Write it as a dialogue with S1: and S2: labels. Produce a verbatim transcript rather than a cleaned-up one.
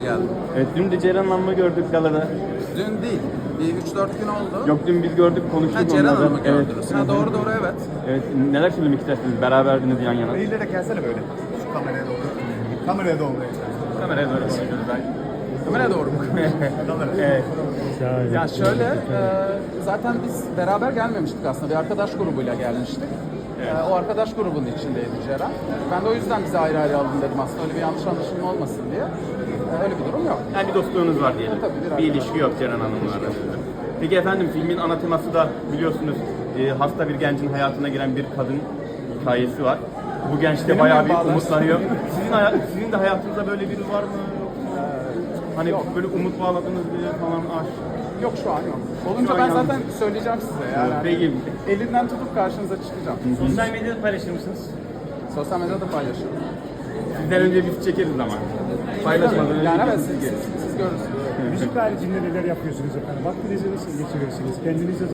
S1: Geldim.
S2: Evet, dün de Ceren Hanım'ı gördük galada.
S1: Dün değil, bir üç dört gün oldu.
S2: Yok, dün biz gördük, konuştuk
S1: Ha, Ceren
S2: onlarla.
S1: Hanım'ı
S2: Evet.
S1: gördünüz. Ha, doğru doğru evet.
S2: Evet, neler söylemek istersiniz? Beraberdiniz yan yana.
S3: Eğilerek gelsene böyle. Şu kameraya doğru. Kameraya doğru.
S2: Kameraya doğru konuşuyoruz belki.
S1: Kameraya doğru mu?
S2: Evet.
S1: Ya şöyle, e, zaten biz beraber gelmemiştik aslında. Bir arkadaş grubuyla gelmiştik. E, o arkadaş grubunun içindeydi Ceren. Ben de o yüzden bizi ayrı ayrı aldım dedim aslında. Öyle bir yanlış anlaşılma olmasın diye. E, öyle bir durum yok.
S2: Yani bir dostluğunuz var diyelim.
S1: Tabii, bir
S2: bir ilişki yok Ceren Hanım'la arasında. Peki efendim, filmin ana teması da biliyorsunuz e, hasta bir gencin hayatına giren bir kadın hikayesi var. Bu genç de
S1: Benim
S2: bayağı
S1: mi
S2: bir
S1: bağlarsın?
S2: umutlanıyor. Sizin, haya- sizin de hayatınızda böyle biri var mı? Hani
S1: Yok.
S2: böyle umut bağladığınız biri falan aşk.
S1: Yok şu an yok. Olunca
S2: Şu an
S1: ben
S2: yalnız.
S1: zaten söyleyeceğim size yani.
S2: Peki.
S1: Elinden tutup karşınıza çıkacağım.
S2: Sosyal medyada paylaşır mısınız?
S1: Sosyal medyada paylaşıyorum.
S2: Sizden önce biz çekeriz ama. Paylaşmadan önce
S1: Yani evet
S2: biz
S1: siz,
S2: çekeriz.
S1: siz, siz görürsünüz.
S4: Müzik haricinde neler yapıyorsunuz efendim? Vaktinizi nasıl geçiriyorsunuz? Kendinize